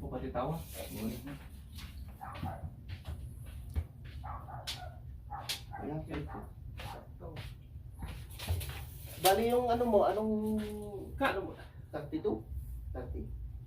pati tawa. Ayan, sakto. Bali yung ano mo, anong ano mo? 32? 30?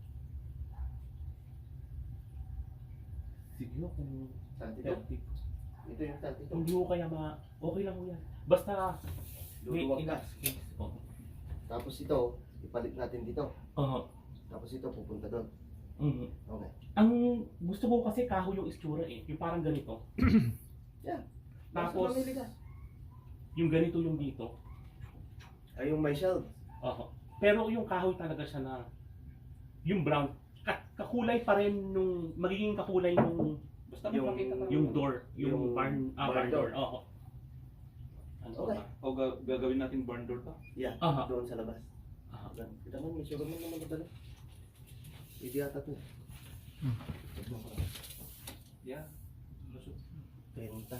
Sige mo kung 32? 30. Ito yung 32. Hindi ko kaya okay lang mo yan. Basta may Luluwag ka. enough space. Oo. Tapos ito, ipalit natin dito. Oo. Tapos ito, pupunta doon. Mhm. Okay. Ang gusto ko kasi kahoy yung istura eh. Yung parang ganito. Yan. Tapos, Basta mamili ka. yung ganito yung dito. Ay, yung may shelves. Oo. Pero yung kahoy talaga siya na yung brown. Kakulay pa rin nung magiging kakulay nung Basta Yung- magpakita ka. yung door, yung Yung barn barn door. door. Oo. Ano Okay. ba? O gagawin natin barn door to. Yan, Aha. doon sa labas. Aha. Kita mo, may sugar man naman madala. Hindi yata ito. Yeah. Lusot. Penta.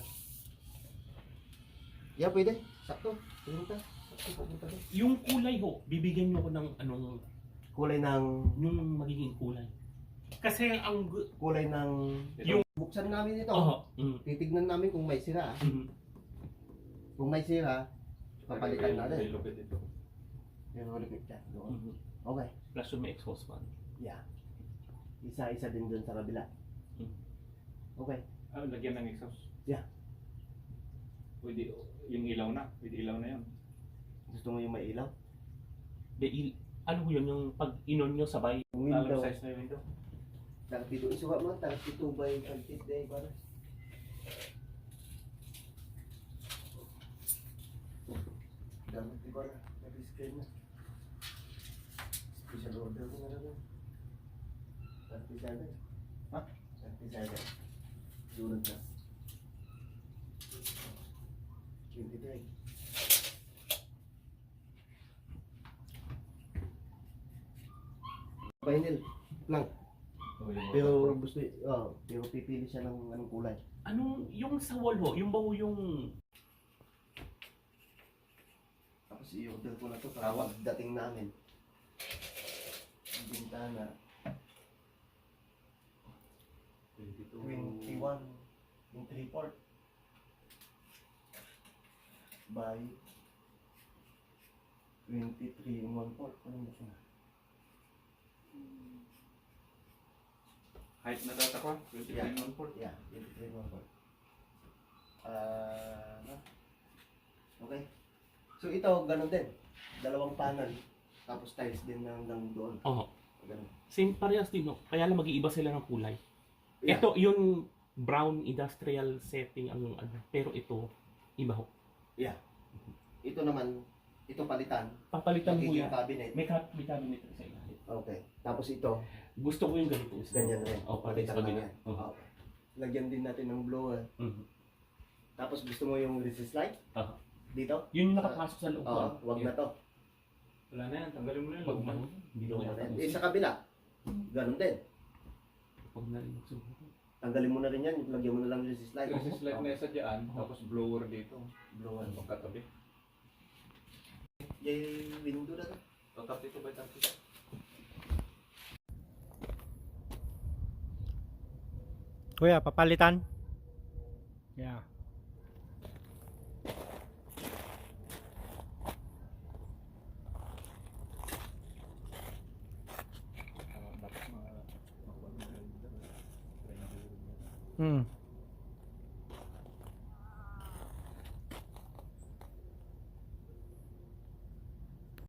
Yeah, pwede. Sakto. Penta. Sakto, pupunta doon. Yung kulay ho, bibigyan niyo ko ng anong Kulay ng... yung magiging kulay. Kasi ang Kulay ng... yung Buksan namin ito. oo. Titignan namin kung may sira. Kung may sira, papalitan natin. Lupit ito. Yung ulit yan. Doon. Okay. Plus yung may exhaust fan. Yeah. Isa-isa din dun sa kabila. Mhm. Okay. Ah, lagyan ng exhaust. Yeah. Pwede, yung ilaw na. Pwede ilaw na yun. Gusto mo yung may ilaw? Ano yun, yung pag inon nyo sabay. Yung Alam window. size na yung window. 32. Isuha mo, 32 by 30 day para. Dapat di ba na? Nag-screen na. Special order ko na lang. 37. Ha? 37. Sunod na. 23. Vinyl. Plank. Pero gusto, pero pipili siya ng anong kulay. Anong, yung sa wall ho, yung bawo yung Tapos i-order ko na to para dating namin. Ang bintana, 21 yung 3/4 by 23 yung 1/4. Ano mo siya? Height na data ko. 23 Yeah. 1/4. Yeah, 23 yung 1/4. Okay. So ito, ganun din. Dalawang panel. Tapos tiles din hanggang doon. oo. Ganun. Same parehas din ho. Kaya lang mag-iiba sila ng kulay. Yeah. Ito yung brown industrial setting ang ano, pero ito iba ho. Yeah. Ito naman, ito palitan. Papalitan mo Magiging yan. cabinet. May cabinet rin sa ilalim. Okay. Tapos ito, Gusto ko yung ganito. ganyan rin. Oh, pati sa Palitan kabila. lang yan. Okay. Lagyan din natin ng blower. Tapos gusto mo yung resist light? Aha. Dito? Yun yung nakapasok sa loob. Oo, wag na to. Wala na yan. Tanggalin mo na yun. Wag na. Hindi ko kaya Sa kabila, ganun din. Wag na rin magsubo. Tanggalin mo na rin yan, lagyan mo na lang resist light. Resist light na isa dyan. Tapos blower dito. Blower. Pagkatabi. Yung window na to. So 32 by 30. Kuya, papalitan? Yeah. Dapat makuha mo na yun. Hmm.